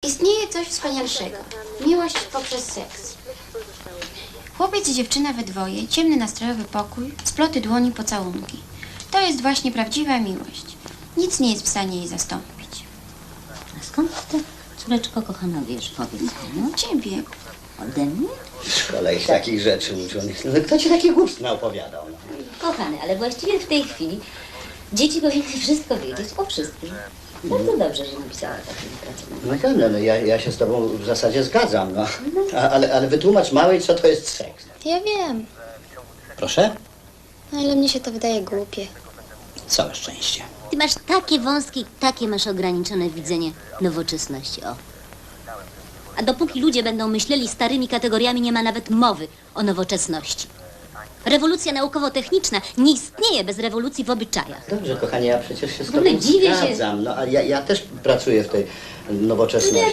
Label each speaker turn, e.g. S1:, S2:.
S1: Istnieje coś wspanialszego. Miłość poprzez seks. Chłopiec i dziewczyna we dwoje, ciemny nastrojowy pokój, sploty dłoni, pocałunki. To jest właśnie prawdziwa miłość. Nic nie jest w stanie jej zastąpić.
S2: A skąd ty, córeczko kochana, wiesz, powiedz mi, no?
S1: Ciebie.
S2: Ode mnie?
S3: W szkole ich takich rzeczy uczonych. No, kto ci takie głupstwa opowiadał? No?
S2: Kochany, ale właściwie w tej chwili dzieci powinny wszystko wiedzieć o wszystkim. Bardzo dobrze, że napisała taką pracę.
S3: No tak, no, ja się z tobą w zasadzie zgadzam, no. Ale wytłumacz małej, co to jest seks.
S4: Ja wiem,
S3: Proszę?
S4: ale mnie się to wydaje głupie.
S3: Całe szczęście.
S2: Ty masz takie wąskie, takie masz ograniczone widzenie nowoczesności, o. A dopóki ludzie będą myśleli starymi kategoriami, nie ma nawet mowy o nowoczesności. Rewolucja naukowo-techniczna nie istnieje bez rewolucji w obyczajach.
S3: Dobrze, kochanie, ja przecież się z
S2: W ogóle
S3: tobą
S2: dziwię się.
S3: zgadzam. No, ale ja też pracuję w tej nowoczesności.